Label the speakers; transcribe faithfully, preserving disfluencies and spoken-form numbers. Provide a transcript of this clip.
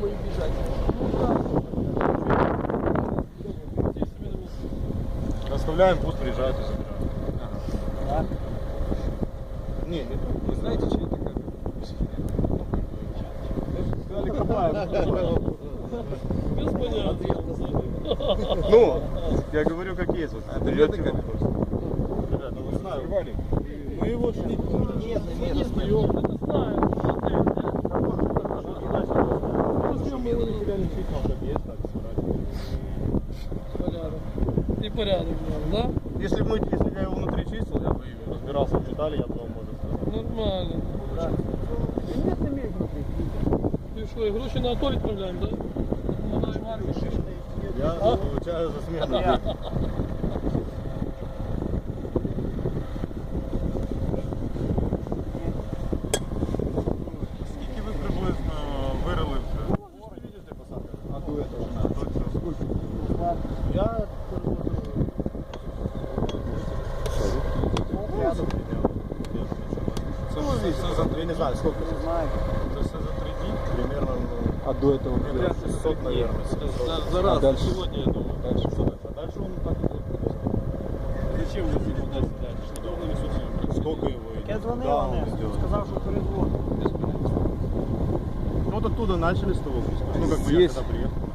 Speaker 1: думаю бежать.
Speaker 2: Оставляем, пусть приезжают и забирают.
Speaker 1: Ага.
Speaker 2: Не, не
Speaker 1: Вы знаете, чьи это камеры?
Speaker 2: сказали, копаем.
Speaker 3: Без понятия.
Speaker 2: Ну, я говорю, как есть. Вот, берете
Speaker 1: камеры?
Speaker 2: Ребята, ну, знаю.
Speaker 3: Мы его шли.
Speaker 1: Нет, нет,
Speaker 3: Не встаем. Это знаем.
Speaker 2: Мы его не теряли числа, как есть, так собирать.
Speaker 3: Порядок. И порядок, да?
Speaker 2: Если бы мы, если бы я его внутри чистил, я бы разбирался в детали, я бы вам может сказать.
Speaker 3: Нормально.
Speaker 1: Да. Нет, не имеет внутри.
Speaker 3: Ты что, и груши на Анатолий отправляем, да? Помогаем армии.
Speaker 2: Я получаю за смену. Скільки ви приблизно вирили вже? Можете видіти посадку?
Speaker 1: А до этого?
Speaker 2: А, до цього.
Speaker 1: Сколько?
Speaker 2: Я
Speaker 1: Рядом.
Speaker 2: Це все за, я не знаю, сколько.
Speaker 1: Не знаю.
Speaker 2: Это все за три дня? Примерно,
Speaker 1: А до этого?
Speaker 2: шестьсот, наверное.
Speaker 3: За раз.
Speaker 1: А дальше?
Speaker 3: Сегодня, я думаю.
Speaker 2: Дальше что дальше? А дальше он так и будет.
Speaker 3: Зачем вы его дать дальше? Что он несут?
Speaker 2: Сколько его идет?
Speaker 1: Я звонил
Speaker 2: Куда он
Speaker 1: Олегу,
Speaker 2: идет?
Speaker 1: сказал, что производит.
Speaker 2: Ну вот оттуда начали с того куска. Ну как бы я
Speaker 1: Здесь.
Speaker 2: когда приехал.